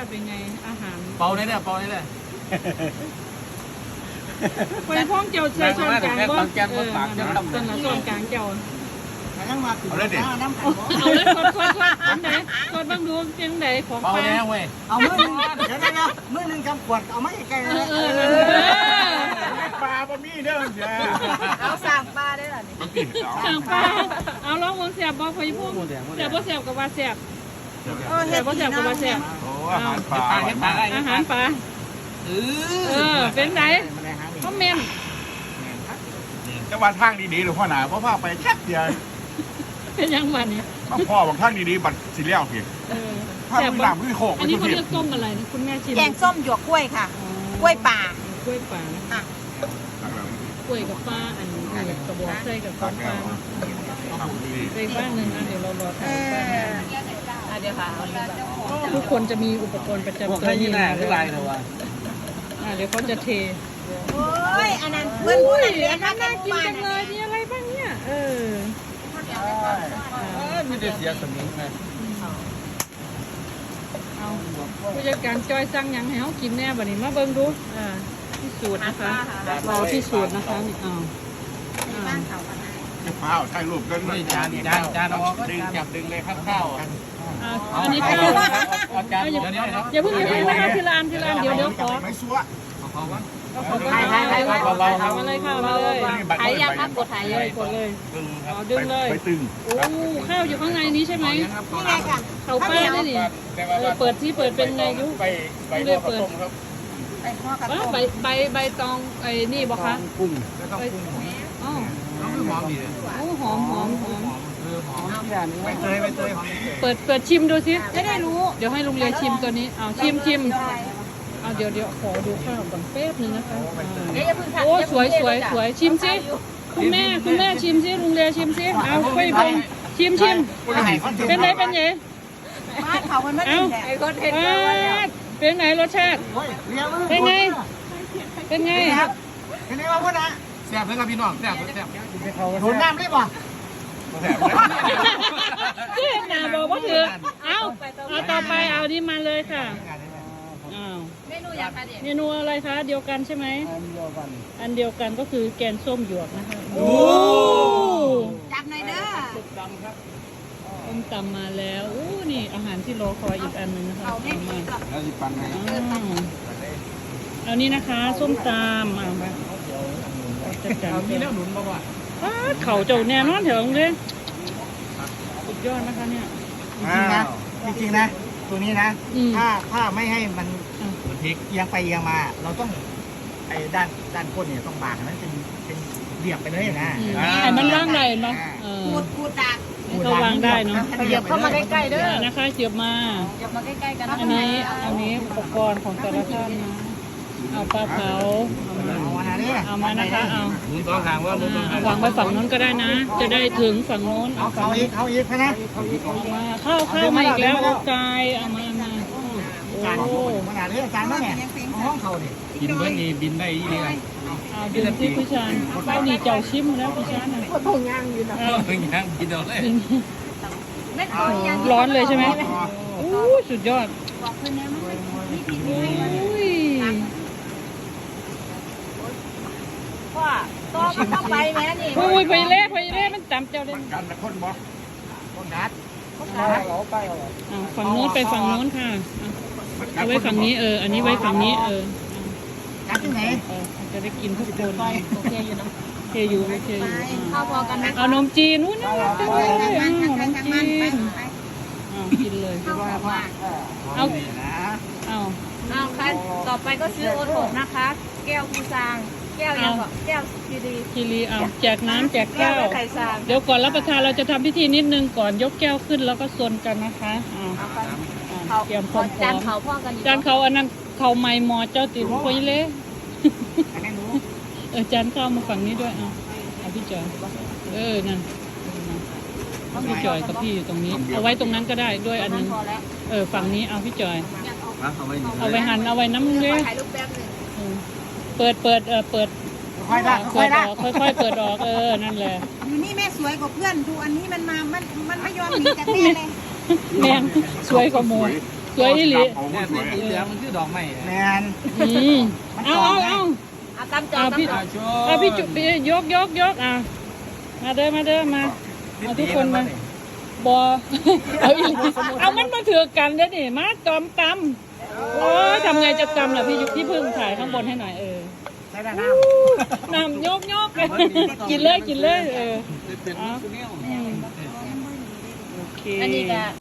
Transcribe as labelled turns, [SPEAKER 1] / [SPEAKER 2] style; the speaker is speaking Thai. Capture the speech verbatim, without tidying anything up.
[SPEAKER 1] าติเป็นไงอาหาร
[SPEAKER 2] เป่าได้เลยเป่าได้เลย
[SPEAKER 1] ไปพ้องเจ้าเชียร์ส่วนกลางบ่เออส่วนส่วนกลางเจ้า
[SPEAKER 3] เอาเลยดิ
[SPEAKER 1] เอาเลยคนคนคนคนไหนคนบ้างดูยังไหนของ
[SPEAKER 2] เป่า
[SPEAKER 1] ปลา
[SPEAKER 2] แล้วเว้ย
[SPEAKER 4] เอามือหนึ่งเดี๋ยวนะมือหนึ่งกำขวดเอาไม่ไกลเลย
[SPEAKER 3] ปลาบะมี่เด้อเจ้า
[SPEAKER 5] เอาสั่งปลาได้หรอ
[SPEAKER 1] สั่งปลาเอาลองวงแสบบ่พอยพุ่งแสบบ่แสบกับว่าแสบแสบบ่แสบกับว่าแสบ
[SPEAKER 3] โอ้อาหารปลา
[SPEAKER 1] อาหารปลาเออเป็นไหนเขาเมน
[SPEAKER 3] จังหวัดทางดีๆหรือพ่อหนาเพราะว่าไปแค่เดียว
[SPEAKER 1] เป็นยังวันนี้
[SPEAKER 3] พ่อบางทางดีๆบัดสิเลี้ยวเพียง
[SPEAKER 1] เออ
[SPEAKER 3] ถ้ามือหลังมือโขก
[SPEAKER 1] อันนี้เขาเรียกต้มอะไรนะคุณแม่ชิม
[SPEAKER 5] แกงส้มหยวกกล้วยค่ะ กล้วยป่าก
[SPEAKER 1] ล้วยป่านะกล้วยกับปลาอันนี้กระบอกใส่กับของปลาใส่บ้างหนึ่งนะเดี๋ยวเรารอทานป้าเดี๋ยวค่ะทุกคนจะมีอุปกรณ์ประจำตัวนี่นะคือลายนะวะเดี๋ยวเขาจะเท
[SPEAKER 5] โอ้ยอันนั้นเพื่อนผู้นั้นเลี้ยง
[SPEAKER 1] น่า
[SPEAKER 5] น่า
[SPEAKER 1] กินจังเลยมีอะไรบ้างเนี่ยเออ
[SPEAKER 2] ไม่ได้เสียสมิงนะ
[SPEAKER 1] เอาผู้จัดการจอยสั่งยังให้เขากินแน่บัดนี้มาเบิ่งดูอ่าที่สูตรนะคะเราที่สูตรนะคะนี่เอาอ่า
[SPEAKER 3] จะเผาถ่ายรูปกัน
[SPEAKER 2] นี่จานจานจานเอาดึงจับดึงเลยครับข้าว
[SPEAKER 1] อ่าอันนี้ข้าว
[SPEAKER 2] เอาจานเดี๋ยวเดี๋ยว
[SPEAKER 1] อย่าเพิ่งอย่าเพิ่งนะคะทีละอันทีละอันเดี๋ยวเดี๋ยวขอ
[SPEAKER 3] ไม่ซัว
[SPEAKER 2] เขาว่า
[SPEAKER 1] เอาขอถ่ายถ่ายถ่ายเอามาเลยค่ะมาเลย
[SPEAKER 5] ถ่ายยังครับกดถ่ายเลย
[SPEAKER 1] กดเลย
[SPEAKER 3] ตึง
[SPEAKER 1] เอาดึงเลย
[SPEAKER 3] ไปตึง
[SPEAKER 1] โอ้ข้าวอยู่ข้างในนี้ใช่ไหม
[SPEAKER 5] นี่ไงค่ะ
[SPEAKER 1] เขาป้าได้ดิเออเปิดที่เปิดเป็นไงยุ
[SPEAKER 3] ไปไป
[SPEAKER 1] เลยเปิด
[SPEAKER 3] ครับ
[SPEAKER 5] ไปพ่อกับ
[SPEAKER 1] ว่าใบใบใบตองไอ้นี่บอกคะ
[SPEAKER 2] กุ้งแล้วก็กุ้ง
[SPEAKER 1] อ๋อ
[SPEAKER 2] ต้องหอมดีเลย
[SPEAKER 1] โอ้หอมหอมหอม
[SPEAKER 2] เออหอมไปเตยไปเตยหอม
[SPEAKER 1] เปิดเปิดชิมดูสิ
[SPEAKER 5] จะได้รู้
[SPEAKER 1] เดี๋ยวให้ลุงเรียชิมตัวนี้เอาชิมชิมเอาเดี๋ยวเดี๋ยวขอดูข้าวก่อนแป๊บนึงนะคะ
[SPEAKER 5] เดี๋ยวอย่าเพิ่ง
[SPEAKER 1] โอ้สวยสวยสวยชิมสิคุณแม่คุณแม่ชิมสิลุงเรียชิมสิเอาไปพงชิมชิมเป็นไงเป็นไง
[SPEAKER 5] มาเขามันไม่กินไอ้คนเห็น
[SPEAKER 1] เป็นไงรสชาติเป็นไงเป็นไง
[SPEAKER 4] เป็นไงวะพ่อนะ
[SPEAKER 2] แซ่บเลยครับพี่น้องแซ่บแซ่บ
[SPEAKER 4] โดนน้ำได้ป่ะ
[SPEAKER 1] ที่หนาบอกว่าถือเอาเอาต่อไปเอานี่มาเลยค่ะอ้าว
[SPEAKER 5] เมนูอยากทานเด็ด
[SPEAKER 1] เมนูอะไรคะเดียวกันใช่ไหมอันเดียวกันก็คือแกงส้มหยวกนะคะโอ้
[SPEAKER 5] จับหน่อยเด้อ
[SPEAKER 1] ส้มตำมาแล้วอู้นี่อาหารที่รอคอยอีกอันหนึ่งนะคะ
[SPEAKER 5] เอาไม่
[SPEAKER 1] เอา
[SPEAKER 5] มี
[SPEAKER 1] มา
[SPEAKER 5] หรอก
[SPEAKER 2] แล้วสิปันไง
[SPEAKER 1] อ้าวเอานี่นะคะส้มตำเอามาจัดการ
[SPEAKER 2] มีแล้วหนุนบอกว่า
[SPEAKER 1] เขาเจ้าแน่นอนเถอะเลยสุดยอดนะคะเนี่ย
[SPEAKER 4] จริงๆนะจริงๆนะตัวนี้นะถ้าถ้าไม่ให้มัน
[SPEAKER 2] มันพริก
[SPEAKER 4] เอียงไปเอียงมา เราต้องไอ้ด้านด้านก้นเนี่ยต้องบากนั้นเป็นเป็นเรียบไปเลยนะ
[SPEAKER 1] ไอ้มันว่างได้เนาะเออ
[SPEAKER 5] ขูดขูดดัก
[SPEAKER 1] เขาวางได้เนาะ
[SPEAKER 5] เหยียบเข้ามาใกล้ๆเด้อ
[SPEAKER 1] นะคะเจียบมา
[SPEAKER 5] เหยียบมาใกล้ๆกัน
[SPEAKER 1] อันนี้อันนี้อุปกรณ์ของแต่ละท่านนะเอาปลาเผาเอามา
[SPEAKER 4] เอามาเนี่ย
[SPEAKER 1] เอามานะคะเอา
[SPEAKER 2] หนุนต้องทางว่าหนุนต้องทาง
[SPEAKER 1] วางไว้ฝั่งโน้นก็ได้นะ จะได้ถึงฝั่งโน้น
[SPEAKER 4] เอา
[SPEAKER 1] เอาฝั่
[SPEAKER 4] เขา
[SPEAKER 1] ง
[SPEAKER 4] อี
[SPEAKER 1] นี้
[SPEAKER 4] กเขาอีกนะ
[SPEAKER 1] เอามาเข้าเข้ามาอีกแล้วโอ้กายเอามามาโอ้
[SPEAKER 4] ขนาดนี้อาจารย์มั้งเนี่ยห้องเขาเนี่ย
[SPEAKER 2] กินเมื่อนี้บินได้ยี่เลย
[SPEAKER 1] เอาดูที่พี่ชานเข้านี่เจ้าชิมแล้วพี่ชานนะ
[SPEAKER 5] ก็ทงย่างอยู่นะ
[SPEAKER 2] เออยังกินเอาเลย
[SPEAKER 5] ไม่ขอยัง
[SPEAKER 1] ร้อนเลยใช่ไหมอู้สุดยอด
[SPEAKER 5] บอกเพื่อนนะมันไม่กิน
[SPEAKER 1] อุ้ย
[SPEAKER 5] พ่อต่อมันต้องไปแม่นี่
[SPEAKER 1] อุ้ยไปเล่ไปเล่มันจำเจ้าเล่น
[SPEAKER 3] กันละคนบ่
[SPEAKER 4] คนนัด
[SPEAKER 1] อ่าฝั่งโน้นไปฝั่งโน้นค่ะเอาไว้ฝั่งนี้เออ อันนี้ไว้ฝั่งนี้เออ
[SPEAKER 4] นัดที่ไหน
[SPEAKER 1] เออจะได้กินทุกคน
[SPEAKER 5] โอเคอยู่นะ
[SPEAKER 1] โอเคอยู่โอเคอยู่
[SPEAKER 5] เข้าพอกันนะ
[SPEAKER 1] เอานมจีนนู้นน่ารักจังเลยอ้าวนมจีน
[SPEAKER 5] ไป
[SPEAKER 1] อ้าวกินเลย
[SPEAKER 5] เข้าพอกัน
[SPEAKER 1] เอาเอา
[SPEAKER 5] เอาค่ะต่อไปก็ซื้อโอทกนะคะ แก้วคูซางแก้วยังก่อนแก้วซีดี
[SPEAKER 1] คีรีเอาแจกน้ำแจก
[SPEAKER 5] แก้
[SPEAKER 1] แก้
[SPEAKER 5] ว
[SPEAKER 1] ว
[SPEAKER 5] ไข่ซาง
[SPEAKER 1] เดี๋ยวก่อนรับประทานเราจะทำพิธีนิดนึงก่อนยกแก้วขึ้นแล้วก็ซนกันนะคะอ่า
[SPEAKER 5] เขา
[SPEAKER 1] เตรียมพร้อม
[SPEAKER 5] จานเขาพ่อกันอยู่
[SPEAKER 1] จานเขาอันนั้นเขาไม่มอเจ้าติดคุยเล่ เออจานข้าวมาฝั่งนี้ด้วยเอาเอาพี่จอยเออนั่นพี่จอยกับพี่อยู่ตรงนี้ เอาไว้ตรงนั้นก็ได้ด้วยอันนึง
[SPEAKER 5] พอแล้ว
[SPEAKER 1] เออฝั่งนี้เอาพี่จอย
[SPEAKER 2] เอาไว้
[SPEAKER 1] เอาไว้หั่นเอาไว้น้ำเลย
[SPEAKER 5] ถ่ายรูปแป๊บหนึ่ง
[SPEAKER 1] เออเปิดเปิดเออเปิด
[SPEAKER 4] ค่อยละค่
[SPEAKER 1] เปิ
[SPEAKER 4] อย
[SPEAKER 1] ดอ
[SPEAKER 4] ละ
[SPEAKER 1] อกค่อยๆเปิดออกเออนั่นแหละ
[SPEAKER 5] อยู่นี่แม่สวยกว่าเพื่อนดูอันนี้มันมา มันมันไม่ยอมหนีจากแม่เลย
[SPEAKER 1] แมงสวยกว่าหมูสวยอีหลี
[SPEAKER 3] โอ้โห
[SPEAKER 2] เนี่ย
[SPEAKER 3] สวย
[SPEAKER 2] สีเหลืองมันคือดอกไม้
[SPEAKER 4] แมน
[SPEAKER 1] อืมเอาเอาเอา
[SPEAKER 5] เอาตามจอ
[SPEAKER 1] เอา
[SPEAKER 5] ตาม
[SPEAKER 1] พี่
[SPEAKER 5] จอ
[SPEAKER 2] โช
[SPEAKER 1] เอาพี่จุพี่ยกยกยกอ่ะมาเด้อมาเด้อมาเอาทุกคนมาบอเอาอีกเอามันมาถือกันเด้อนี่มาจอมตำโอ้ยทำไงจะตำล่ะพี่ยุพี่พึ่งถ่ายข้างบนให้หน่อยเออ
[SPEAKER 4] ใช้ด้านน้
[SPEAKER 1] น้ำยกยกกินเลยกินเลยเออ
[SPEAKER 2] เป็น
[SPEAKER 1] เอา
[SPEAKER 2] เป็น
[SPEAKER 1] อืมโอเค
[SPEAKER 5] อันนี้ก็